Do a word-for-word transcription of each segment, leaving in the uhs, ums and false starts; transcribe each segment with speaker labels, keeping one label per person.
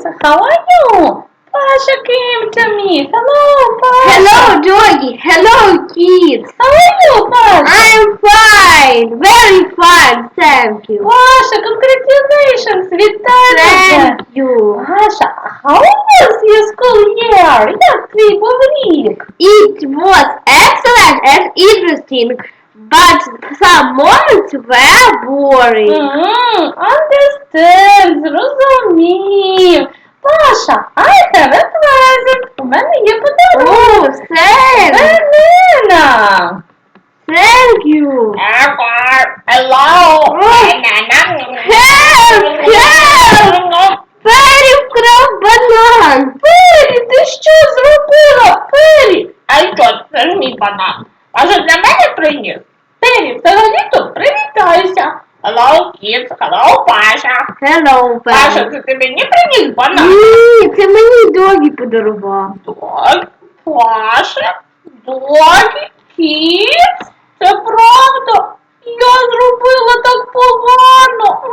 Speaker 1: kids, how are you? Pasha came to me. Hello, Pasha.
Speaker 2: Hello, Doggy. Hello, kids.
Speaker 1: How are you, Pasha?
Speaker 2: I'm fine. Very fine, thank you.
Speaker 1: Pasha, congratulations. Вітаю тебе.
Speaker 2: Thank you.
Speaker 1: Pasha, how was your school year? Як твій був рік?
Speaker 2: It was excellent and interesting, but some moments were boring.
Speaker 1: Mm, understand, зрозумів. Паша, I have a present. У мене є подарунок.
Speaker 2: Oh, thanks.
Speaker 1: Банана.
Speaker 2: Thank you.
Speaker 1: Hello.
Speaker 2: Help! Help! Пері вкрав банан.
Speaker 1: Пері, ти що зробила? Пері. А що, це ж мій банан. А що для мене приніс? Пері, взагалі-то привітайся. Hello, kids. Hello, Паша.
Speaker 2: Hello,
Speaker 1: Паша,
Speaker 2: Пері.
Speaker 1: це ти мені приніс банан?
Speaker 2: Ні, це мені Догі подарував.
Speaker 1: Так, Паша, Догі, Kids, це правда. Я зробила так погано.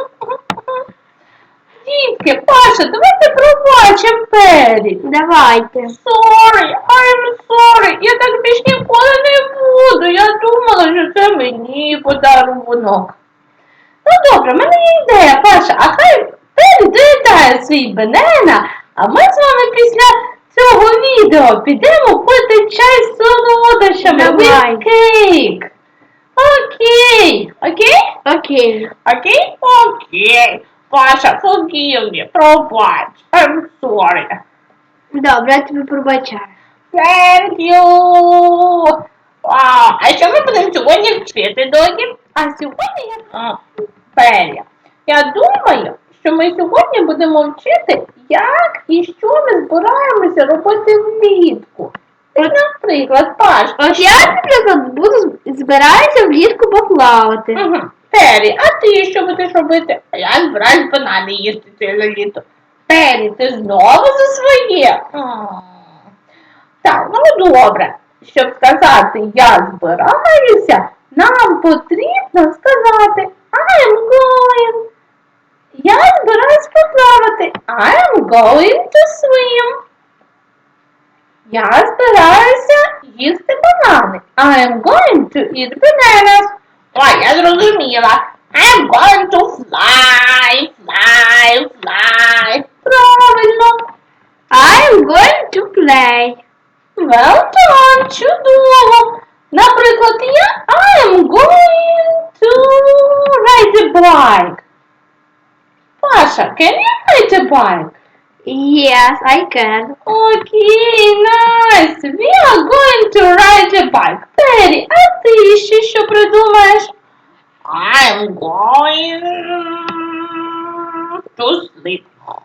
Speaker 1: Дітки, Паша, давайте пробачимо Пері.
Speaker 2: Давайте.
Speaker 1: Sorry, I'm sorry. Я так більш ніколи не буду. Я думала, що це мені подарунок. Ну добре, в мене є ідея, Паша, а хай Пері доїдає свій банана, а ми з вами після цього відео підемо пити чай з солодощами.
Speaker 2: Давай.
Speaker 1: With cake. Окей. Окей?
Speaker 2: Окей.
Speaker 1: Окей? Окей. Паша, forgive me, пробач. I'm sorry.
Speaker 2: Добре, я тобі пробачаю.
Speaker 1: Thank you. Вау, а що ми будемо сьогодні вчити, Догі? А сьогодні я... А, Пері. Я думаю, що ми сьогодні будемо вчити, як і що ми збираємося робити влітку. Ось, наприклад, Паш.
Speaker 2: От я, наприклад, буду збираюся влітку поплавати.
Speaker 1: Угу. Пері, а ти що будеш робити? А я збираюсь банани їсти ціле літо. Пері, ти знову за своє? М. Так, ну добре. Щоб сказати «я збираюся», нам потрібно сказати I'm going. Я збираюсь поплавати. I'm going to swim. Я збираюся їсти банани. I'm going to eat bananas. Ой, я зрозуміла. I'm going to fly, fly, fly. Правильно.
Speaker 2: I'm going to play.
Speaker 1: Well done, чудово. Наприклад, я I'm going to ride a bike. Паша, can you ride a bike?
Speaker 2: Yes, I can.
Speaker 1: Окей, nice. We are going to ride a bike. Пері, а ти ще що придумаєш? I'm going to sleep.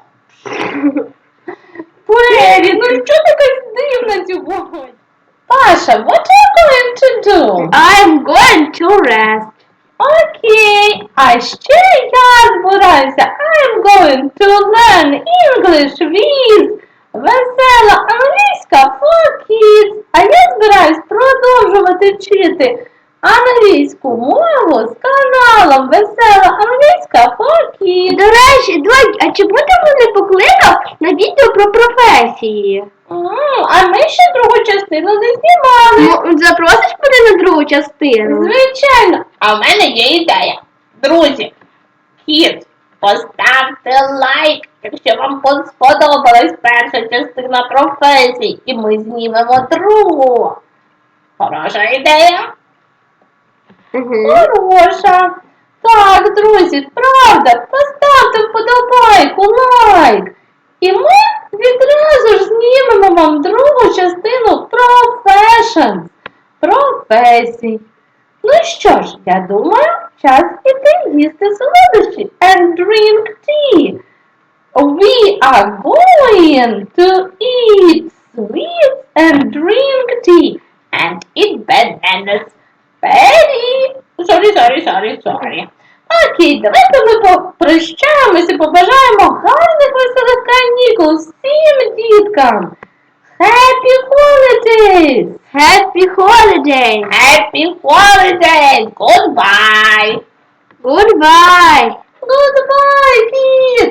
Speaker 1: Пері, ну що така дивна сьогодні? Паша, what are you going to do?
Speaker 2: I'm going to rest.
Speaker 1: Окей, а ще я збираюся. I'm going to learn English with весела англійська for kids. А я збираюсь продовжувати вчити англійську мову з каналом Весела англійська for kids.
Speaker 2: До речі, Догі, а чому ти мене покликав на відео про професії?
Speaker 1: М, А ми ще другу частину не знімали.
Speaker 2: Ну, запросиш мене на другу частину?
Speaker 1: Звичайно. А в мене є ідея. Друзі, kids, поставте лайк, якщо вам сподобалась перша частина професій, і ми знімемо другу. Хороша ідея?
Speaker 2: Угу.
Speaker 1: Хороша. Так, друзі, правда, поставте вподобайку, лайк. І ми відразу ж знімемо вам другу частину Professions. Професій. Ну що ж, я думаю, час іти їсти солодощі and drink tea. We are going to eat sweets and drink tea and eat bananas. Пері. Sorry, sorry, sorry, sorry. Окей, давайте ми попрощаємося, побажаємо гарних веселих канікул всім діткам. Happy holidays!
Speaker 2: Happy holidays!
Speaker 1: Happy holidays! Goodbye!
Speaker 2: Goodbye!
Speaker 1: Goodbye, kids!